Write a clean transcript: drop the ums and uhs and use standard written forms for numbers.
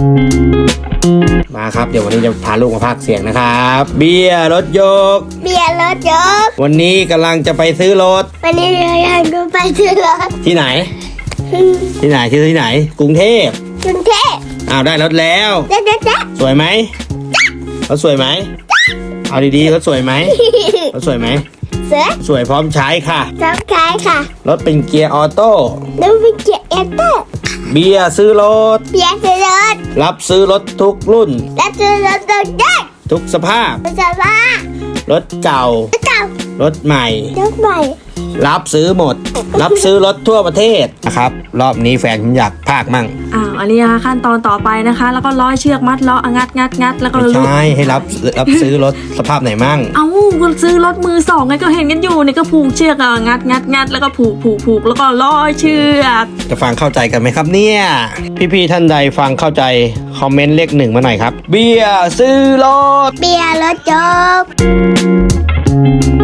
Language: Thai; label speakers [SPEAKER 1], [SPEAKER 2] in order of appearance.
[SPEAKER 1] มาครับเดี๋ยววันนี้จะพาลูกมาพากย์เสียงนะครับเบียร์รถยก
[SPEAKER 2] เบียร์รถยก
[SPEAKER 1] วันนี้กำลังจะไปซื้อรถ
[SPEAKER 2] วันนี้เราอยากดูไปซื้อรถ
[SPEAKER 1] ที่ไหน ที่ไหนซื้อที่ไหนกรุงเทพ
[SPEAKER 2] กรุงเทพ
[SPEAKER 1] อ้าวได้รถแล้ว
[SPEAKER 2] จ๊ะจ๊ะจ๊ะ
[SPEAKER 1] สวยไหมรถสวยไหมเอาดีๆรถสวยไหมรถสวยไหม
[SPEAKER 2] เสือ
[SPEAKER 1] สวยพร้อมใช้ค่ะ
[SPEAKER 2] สองขายค่ะ
[SPEAKER 1] รถเป็นเกียร์ออโต้
[SPEAKER 2] แล้วไปเกียร์เอเตอร์
[SPEAKER 1] เบียร์ซื้อรถ
[SPEAKER 2] เบียร์ซื้อรถ
[SPEAKER 1] รับซื้อรถทุกรุ่น
[SPEAKER 2] แล้วซื้อรถตัวเด็ก
[SPEAKER 1] ทุกสภาพ
[SPEAKER 2] รถจะว่าร
[SPEAKER 1] ถเก่า
[SPEAKER 2] รถเก่าร
[SPEAKER 1] ถใหม่
[SPEAKER 2] รถใหม่
[SPEAKER 1] รับซื้อหมด รับซื้อรถทั่วประเทศนะครับ รอบนี้แฟนผมอยากพากย์มั่ง
[SPEAKER 3] อันนี้นะคะขั้นตอนต่อไปนะคะ แล้วก็ร้อยเชือกมัดล้องัดแล้วก็
[SPEAKER 1] ไม่
[SPEAKER 3] ลูก
[SPEAKER 1] ใช่ให้รับซื้อรถสภาพไหนมั่ง
[SPEAKER 3] ก็ซื้อรถมือสองไงก็เห็นกันอยู่นี่ก็ผูกเชือกงัดแล้วก็ผูกแล้วก็ร้อยเชือก
[SPEAKER 1] จะฟังเข้าใจกันไหมครับเนี่ย พี่ๆท่านใดฟังเข้าใจคอมเมนต์เลข 1มาหน่อยครับ เบียร์ซื้อรถ
[SPEAKER 2] เบียร์รถยก